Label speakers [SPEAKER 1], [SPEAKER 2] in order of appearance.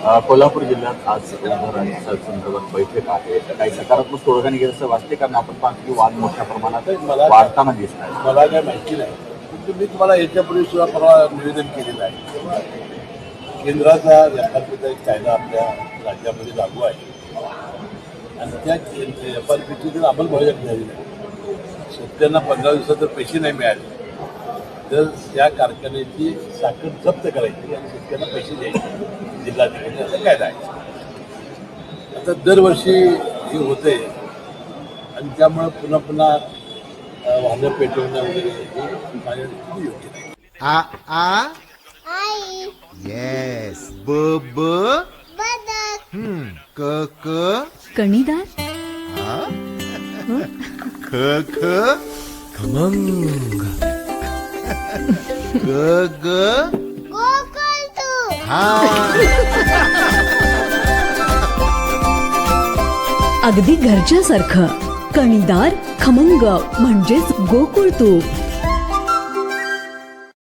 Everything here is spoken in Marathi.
[SPEAKER 1] कोल्हापूर जिल्ह्यात आज संदर्भात बैठक आहे. काही सकारात्मक तोडगा निघेल असं वाटते, कारण आपण पाहतो की वाद मोठ्या प्रमाणात वाढताना दिसत आहे.
[SPEAKER 2] मला काय माहिती नाही, परंतु मी तुम्हाला याच्यापूर्वी सुद्धा परवा निवेदन केलेलं आहे. केंद्राचा एफ-आर-पीचा एक कायदा आपल्या राज्यामध्ये लागू आहे आणि त्या एफ-आर-पीची जर अंमलबजावणी झाली नाही, शेतकऱ्यांना 15 दिवसात जर पैसे नाही मिळाले तर त्या कारखान्याची साखर जप्त करायची आणि शेतकऱ्यांना पैसे द्यायचे जिल्हाधिकारी, असा कायदा आहे. आता दरवर्षी हे होते आणि त्यामुळे पुन्हा पुन्हा वाहनं पेटवणं वगैरे हे माझ्या योग्य नाही.
[SPEAKER 3] आ आ येस ब ब क क
[SPEAKER 4] कणीदार,
[SPEAKER 3] ख ख खमंग ग ग हा.
[SPEAKER 4] अगदी घरच्यासारखं. कणीदार, खमंग म्हणजेच गोकुळ तूप.